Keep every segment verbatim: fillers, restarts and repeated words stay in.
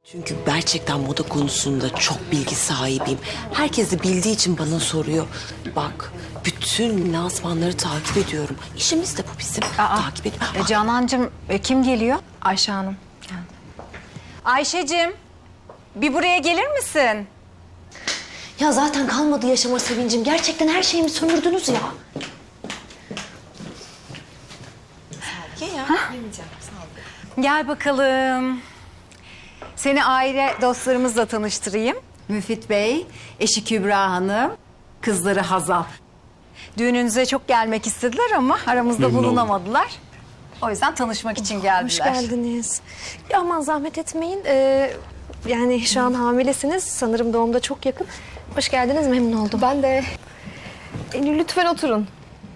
Çünkü gerçekten moda konusunda çok bilgi sahibiyim. Herkes de bildiği için bana soruyor. Bak, bütün lansmanları takip ediyorum. İşimiz de bu bizim. Aa, takip ediyorum. E, Canancığım e, kim geliyor? Ayşe Hanım. Ayşe'cim bir buraya gelir misin? Ya zaten kalmadı yaşama sevincim. Gerçekten her şeyimi sömürdünüz ya. Gel bakalım. Seni aile dostlarımızla tanıştırayım. Müfit Bey, eşi Kübra Hanım, kızları Hazal. Düğününüze çok gelmek istediler ama aramızda bulunamadılar. O yüzden tanışmak için geldiler. Hoş geldiniz. Ya aman zahmet etmeyin. Ee, yani şu an hamilesiniz. Sanırım doğumda çok yakın. Hoş geldiniz, memnun oldum. Ben de. E, lütfen oturun.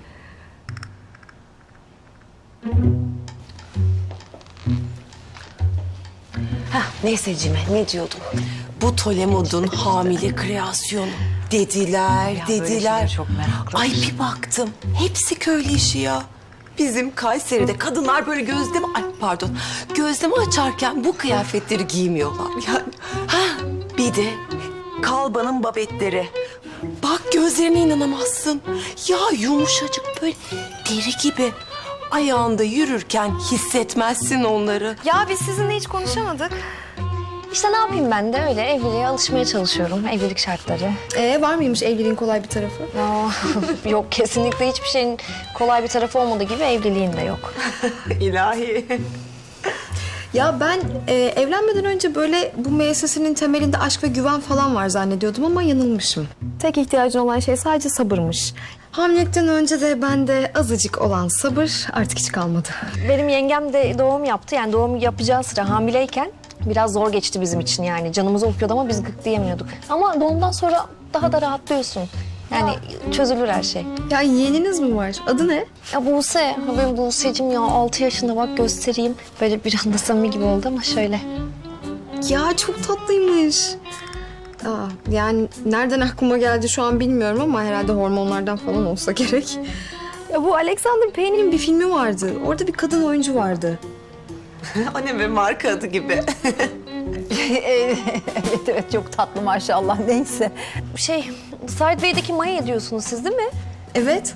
Heh, neyse Cime, ne diyordum? Bu Tolemod'un hamile kreasyonu. Dediler, Ya böyle dediler. şeylere çok meraklıyım. Ay bir baktım, hepsi köylü işi ya. Bizim Kayseri'de kadınlar böyle gözleme, ay pardon, gözleme açarken bu kıyafetleri giymiyorlar. Yani, ha bir de kalbanın babetleri. Bak gözlerine inanamazsın. Ya yumuşacık böyle deri gibi. Ayağında yürürken hissetmezsin onları. Ya biz sizinle hiç konuşamadık. İşte ne yapayım ben de öyle evliliğe alışmaya çalışıyorum. Evlilik şartları. Ee, var mıymış evliliğin kolay bir tarafı? Ya, yok kesinlikle hiçbir şeyin kolay bir tarafı olmadığı gibi evliliğin de yok. İlahi. Ya ben e, evlenmeden önce böyle bu müessesenin temelinde aşk ve güven falan var zannediyordum ama yanılmışım. Tek ihtiyacın olan şey sadece sabırmış. Hamilelikten önce de bende azıcık olan sabır artık hiç kalmadı. Benim yengem de doğum yaptı. Yani doğum yapacağı sıra hamileyken biraz zor geçti bizim için yani. Canımız okuyordu ama biz gık diyemiyorduk. Ama doğumdan sonra daha da rahatlıyorsun. Yani çözülür her şey. Ya yeğeniniz mi var? Adı ne? Ya Buse, ha benim Buse'cim ya altı yaşında bak göstereyim. Böyle bir anda samimi gibi oldu ama şöyle. Ya çok tatlıymış. Aa, yani nereden aklıma geldi şu an bilmiyorum ama herhalde hormonlardan falan olsa gerek. Ya bu Alexander Payne'in bir filmi vardı. Orada bir kadın oyuncu vardı. O ne be, marka adı gibi. evet evet çok tatlı maşallah neyse. Şey, Sideways'deki Maya diyorsunuz siz değil mi? Evet.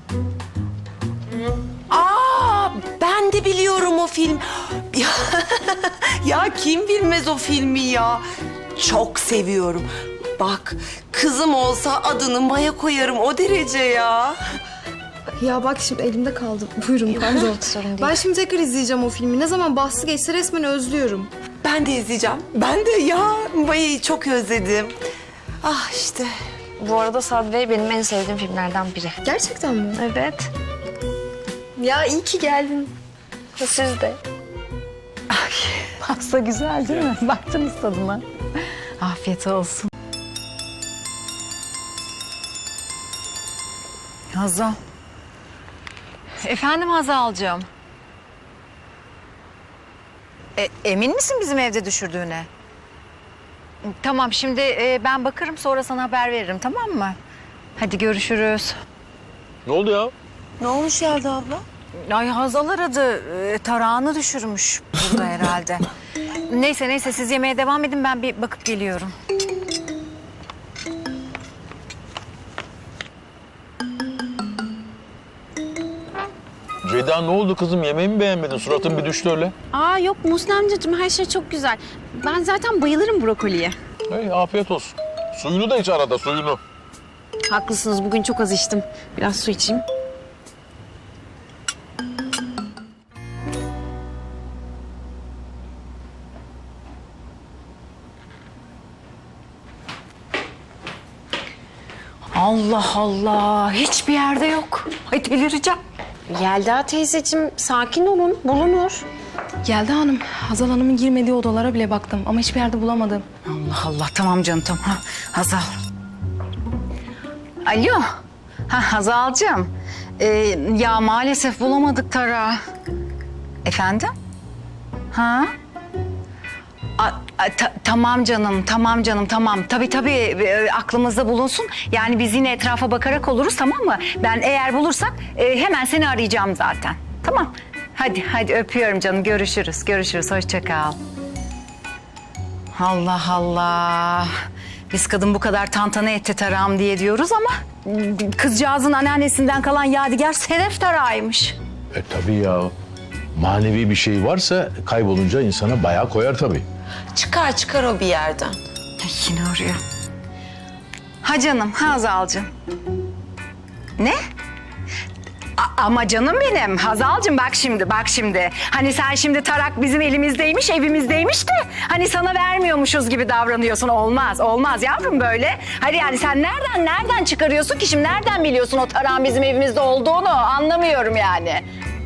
Aa, ben de biliyorum o film. Ya, ya kim bilmez o filmi ya. Çok seviyorum. Bak, kızım olsa adını Maya koyarım, o derece ya. Ya bak şimdi elimde kaldı. Buyurun pardon. Sorun değil. Ben şimdi tekrar izleyeceğim o filmi. Ne zaman bahsi geçse resmen özlüyorum. Ben de izleyeceğim. Ben de ya Maya'yı çok özledim. Ah işte. Bu arada Sideways benim en sevdiğim filmlerden biri. Gerçekten mi? Evet. Ya iyi ki geldin. Siz de. Pasta güzel değil mi? Baktınız tadına. Afiyet olsun. Hazal. Efendim Hazal'cığım. E, emin misin bizim evde düşürdüğüne? Tamam şimdi e, ben bakarım sonra sana haber veririm tamam mı? Hadi görüşürüz. Ne oldu ya? Ne olmuş Yelda abla? Ay Hazal aradı. E, tarağını düşürmüş burada herhalde. Neyse neyse siz yemeğe devam edin ben bir bakıp geliyorum. Ceyda ne oldu kızım? Yemeği mi beğenmedin? Suratın bir düştü öyle. Aa yok Muhsin amcacığım her şey çok güzel. Ben zaten bayılırım brokoliye. Hey, afiyet olsun. Suyunu da iç arada, suyunu. Haklısınız bugün çok az içtim. Biraz su içeyim. Allah Allah hiçbir yerde yok. Ay delireceğim. Yelda teyzeciğim sakin olun bulunur. Yelda Hanım, Hazal Hanım'ın girmediği odalara bile baktım ama hiçbir yerde bulamadım. Allah Allah tamam canım tamam. Ha, Hazal. Alo. Ha, Hazal'cığım. Ee, ya maalesef bulamadık Tara. Efendim? Ha? A, a, ta- tamam canım, tamam canım, tamam. Tabii tabii e, aklımızda bulunsun. Yani biz yine etrafa bakarak oluruz tamam mı? Ben eğer bulursak e, hemen seni arayacağım zaten. Tamam. Hadi hadi öpüyorum canım. Görüşürüz. Görüşürüz. Hoşça kal. Allah Allah. Biz kadın bu kadar tantana etti tarağım diye diyoruz ama kızcağızın anneannesinden kalan yadigar sedef tarağıymış. E tabii ya. Manevi bir şey varsa kaybolunca insana bayağı koyar tabii. Çıkar çıkar o bir yerden. Ay, yine arıyor. Ha canım, ha Hazal'cığım. Ne? A- ama canım benim, Hazal'cığım bak şimdi, bak şimdi. Hani sen şimdi tarak bizim elimizdeymiş, evimizdeymiş de... ...hani sana vermiyormuşuz gibi davranıyorsun. Olmaz, olmaz yavrum böyle. Hadi yani sen nereden, nereden çıkarıyorsun ki şimdi? Nereden biliyorsun o tarağın bizim evimizde olduğunu? Anlamıyorum yani.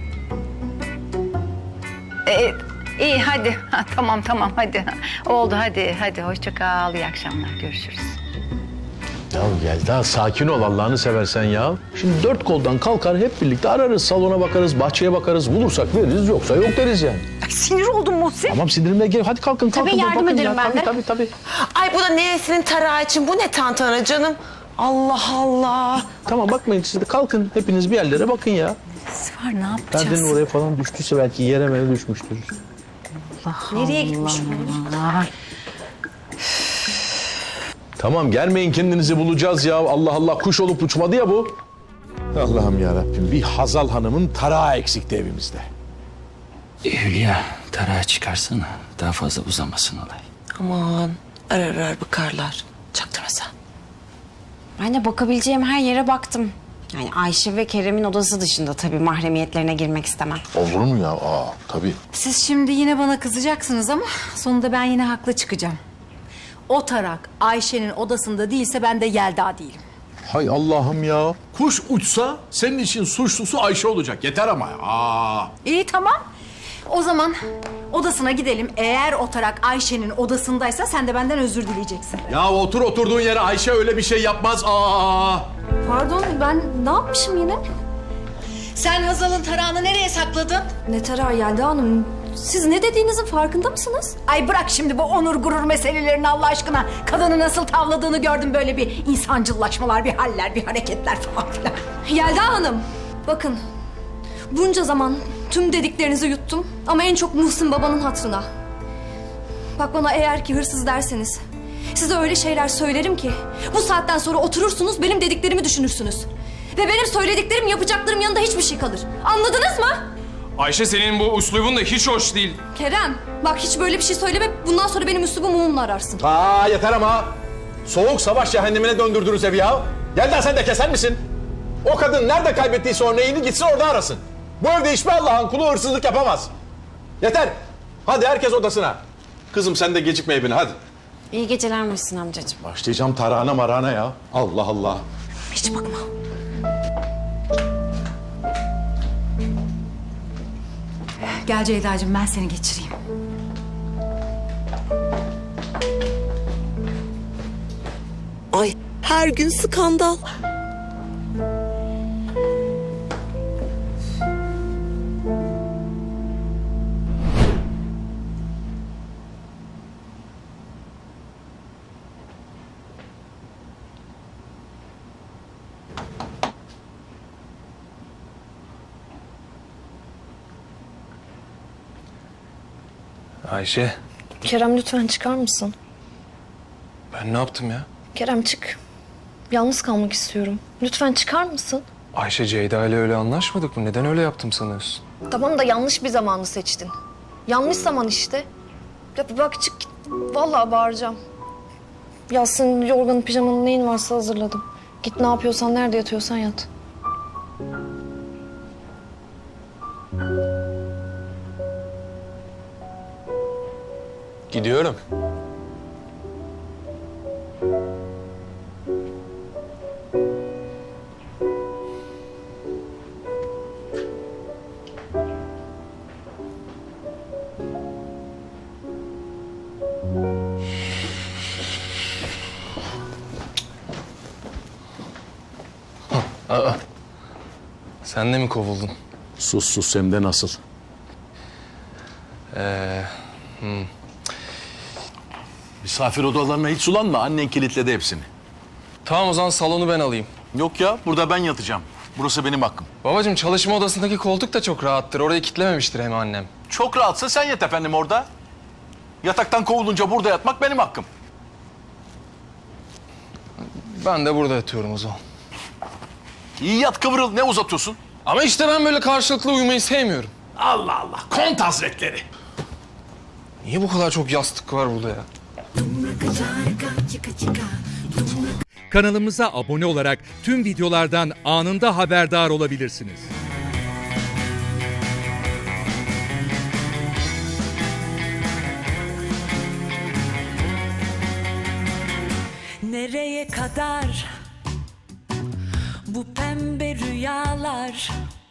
Ee, iyi hadi, ha, tamam tamam hadi. Oldu hadi, hadi hoşça kal, iyi akşamlar, görüşürüz. Ya Yelda sakin ol Allah'ını seversen ya. Şimdi dört koldan kalkar hep birlikte ararız. Salona bakarız, bahçeye bakarız. Bulursak veririz yoksa yok deriz yani. Ay, sinir oldum Muhsin. Tamam sindirimle gel. Hadi kalkın kalkın. Tabii, yardım bakın ederim ya. ben tabii, de. Tabii tabii. Ay bu da neresinin tarağı için? Bu ne tantana canım? Allah Allah. Tamam bakmayın siz de kalkın. Hepiniz bir yerlere bakın ya. Var ne yapacağız? Perdenin oraya falan düştüyse belki yere mere düşmüştür. Nereye gitmiş bu? Tamam gelmeyin kendinizi bulacağız ya. Allah Allah kuş olup uçmadı ya bu. Allah'ım ya Rabbim bir Hazal Hanım'ın tarağı eksikti evimizde. Hülya, tarağı çıkarsana. Daha fazla uzamasın olay. Aman arar arar bakarlar. Çaktırma sen. Ben de bakabileceğim her yere baktım. Yani Ayşe ve Kerem'in odası dışında tabii mahremiyetlerine girmek istemem. Olur mu ya? Aa tabii. Siz şimdi yine bana kızacaksınız ama sonunda ben yine haklı çıkacağım. O tarak Ayşe'nin odasında değilse ben de Yelda değilim. Hay Allah'ım ya. Kuş uçsa senin için suçlusu Ayşe olacak. Yeter ama. Aa. İyi tamam. O zaman odasına gidelim. Eğer o tarak Ayşe'nin odasındaysa sen de benden özür dileyeceksin. Ya otur oturduğun yere, Ayşe öyle bir şey yapmaz. Aa. Pardon ben ne yapmışım yine? Sen Hazal'ın tarağını nereye sakladın? Ne tarağı Yelda Hanım? Siz ne dediğinizin farkında mısınız? Ay bırak şimdi bu onur gurur meselelerini Allah aşkına. Kadını nasıl tavladığını gördüm, böyle bir insancıllaşmalar, bir haller, bir hareketler falan filan. Yelda Hanım, bakın bunca zaman tüm dediklerinizi yuttum ama en çok Muhsin babanın hatırına. Bak bana eğer ki hırsız derseniz size öyle şeyler söylerim ki bu saatten sonra oturursunuz benim dediklerimi düşünürsünüz. Ve benim söylediklerim yapacaklarım yanında hiçbir şey kalır. Anladınız mı? Ayşe senin bu üslubun da hiç hoş değil. Kerem bak hiç böyle bir şey söyleme, bundan sonra benim üslubumu mumla ararsın. Aa yeter ama. Soğuk savaş cehennemine döndürdünüz evi ya. Gel de sen de keser misin? O kadın nerede kaybettiyse örneğini gitsin orada arasın. Bu evde hiçbir Allah'ın kulu hırsızlık yapamaz. Yeter. Hadi herkes odasına. Kızım sen de gecikme evine hadi. İyi geceler Muhsin amcacığım. Başlayacağım tarağına marağına ya. Allah Allah. Hiç bakma. Gel Ceyda'cığım ben seni geçireyim. Ay her gün skandal. Ayşe, Kerem lütfen çıkar mısın? ben ne yaptım ya? Kerem çık. Yalnız kalmak istiyorum. Lütfen çıkar mısın? Ayşe, Ceyda ile öyle anlaşmadık mı? Neden öyle yaptım sanıyorsun? Tamam da yanlış bir zamanı seçtin. Yanlış zaman işte. Ya bak çık git. Vallahi bağıracağım. Ya senin yorganın, pijamanın neyin varsa hazırladım. Git ne yapıyorsan, nerede yatıyorsan yat. Gidiyorum. Aa, sen de mi kovuldun? Sus sus hem de nasıl. Ee, hmm. Misafir odalarına hiç sulanma. Annen kilitledi hepsini. Tamam o zaman salonu ben alayım. Yok ya burada ben yatacağım. Burası benim hakkım. Babacığım çalışma odasındaki koltuk da çok rahattır. Orayı kitlememiştir hem annem. Çok rahatsa sen yat efendim orada. Yataktan kovulunca burada yatmak benim hakkım. Ben de burada yatıyorum o zaman. İyi yat kıvrıl, ne uzatıyorsun? Ama işte ben böyle karşılıklı uyumayı sevmiyorum. Allah Allah, Kont Hazretleri. Niye bu kadar çok yastık var burada ya? Kanalımıza abone olarak tüm videolardan anında haberdar olabilirsiniz. Nereye kadar bu pembe rüyalar?